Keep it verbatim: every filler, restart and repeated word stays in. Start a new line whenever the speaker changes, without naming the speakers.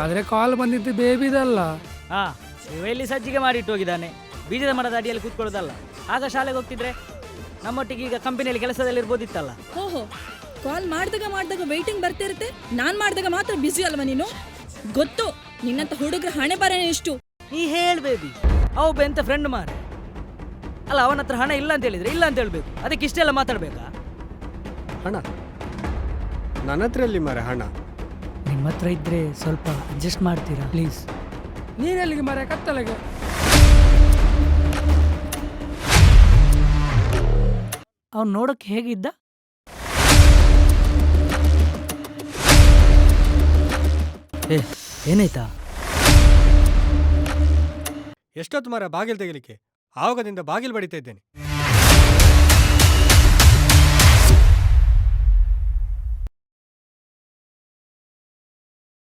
ಆದ್ರೆ ಕಾಲ್ ಬಂದಿದ್ದು ಬೇಬಿದಲ್ಲ.
ಹಾ, ಇವ ಇಲ್ಲಿ ಸಜ್ಜಿಗೆ ಮಾಡಿಟ್ಟು ಹೋಗಿದ್ದಾನೆ. ಬೀಜದ ಮರದ ಅಡಿಯಲ್ಲಿ ಕೂತ್ಕೊಳ್ಳೋದಲ್ಲ. ಆಗ ಶಾಲೆಗೆ ಹೋಗ್ತಿದ್ರೆ ನಮ್ಮೊಟ್ಟಿಗೆ ಈಗ ಕಂಪನಿಯಲ್ಲಿ ಕೆಲಸದಲ್ಲಿ ಇರ್ಬೋದಿತ್ತಲ್ಲ.
ಓಹೋ, ಕಾಲ್ ಮಾಡಿದಾಗ ಮಾಡಿದಾಗ ವೇಟಿಂಗ್ ಬರ್ತಿರುತ್ತೆ, ನಾನ್ ಮಾಡಿದಾಗ ಮಾತ್ರ ಬಿಸಿ ಅಲ್ವಾ ನೀನು? ಗೊತ್ತು ನಿನ್ನಂತ ಹುಡುಗ್ರ ಹಣೆ ಬರನೇ ಎಷ್ಟು.
ನೀ ಹೇಳ್ಬೇಬಿ, ಅವ ಎಂತ ಫ್ರೆಂಡ್ ಮಾರ ಅಲ್ಲ. ಅವನ ಹತ್ರ ಹಣ ಇಲ್ಲ ಅಂತ ಹೇಳಿದ್ರೆ ಇಲ್ಲ ಅಂತ ಹೇಳ್ಬೇಕು. ಅದಕ್ಕೆ ಇಷ್ಟೆಲ್ಲ ಮಾತಾಡ್ಬೇಕಾ?
ಹಣ ನನ್ನ ಹತ್ರ ಎಲ್ಲಿ ಮಾರೆ ಹಣ?
ನಿಮ್ಮ ಹತ್ರ ಇದ್ರೆ ಸ್ವಲ್ಪ ಅಡ್ಜಸ್ಟ್ ಮಾಡ್ತೀರಾ ಪ್ಲೀಸ್?
ನೀನೆಲ್ಲಿಗೆ ಮರ ಕತ್ತಲೆಗೆ?
ಅವ್ನು ನೋಡಕ್ಕೆ ಹೇಗಿದ್ದ? ಏ ಏನಾಯ್ತಾ?
ಎಷ್ಟೊತ್ತು ಮರ ಬಾಗಿಲು ತೆಗಿಲಿಕ್ಕೆ? ಆವಾಗದಿಂದ ಬಾಗಿಲು ಬಡಿತಾ ಇದ್ದೇನೆ.